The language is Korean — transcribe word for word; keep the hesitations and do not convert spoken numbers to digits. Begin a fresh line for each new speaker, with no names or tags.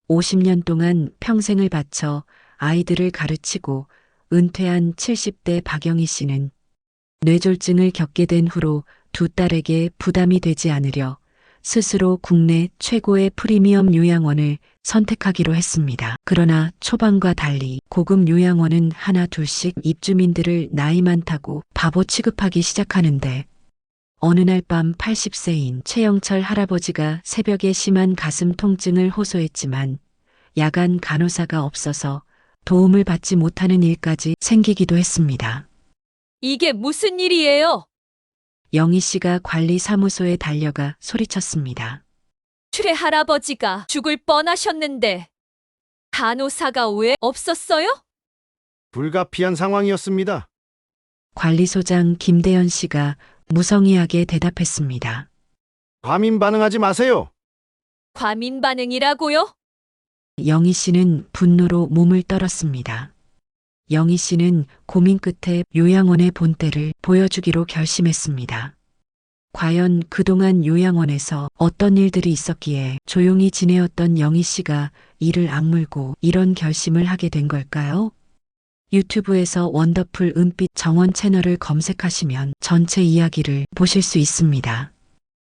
오십 년 동안 평생을 바쳐 아이들을 가르치고 은퇴한 칠십 대 박영희 씨는 뇌졸중을 겪게 된 후로 두 딸에게 부담이 되지 않으려 스스로 국내 최고의 프리미엄 요양원을 선택하기로 했습니다. 그러나 초반과 달리 고급 요양원은 하나 둘씩 입주민들을 나이 많다고 바보 취급하기 시작하는데 어느 날 밤 팔십 세인 최영철 할아버지가 새벽에 심한 가슴 통증을 호소했지만 야간 간호사가 없어서 도움을 받지 못하는 일까지 생기기도 했습니다.
이게 무슨 일이에요?
영희 씨가 관리사무소에 달려가 소리쳤습니다.
최 할아버지가 죽을 뻔하셨는데 간호사가 왜 없었어요?
불가피한 상황이었습니다.
관리소장 김대현 씨가 무성의하게 대답했습니다.
과민 반응하지 마세요.
과민 반응이라고요?
영희 씨는 분노로 몸을 떨었습니다. 영희 씨는 고민 끝에 요양원의 본때를 보여주기로 결심했습니다. 과연 그동안 요양원에서 어떤 일들이 있었기에 조용히 지내었던 영희 씨가 이를 악물고 이런 결심을 하게 된 걸까요? 유튜브에서 원더풀 은빛 정원 채널을 검색하시면 전체 이야기를 보실 수 있습니다.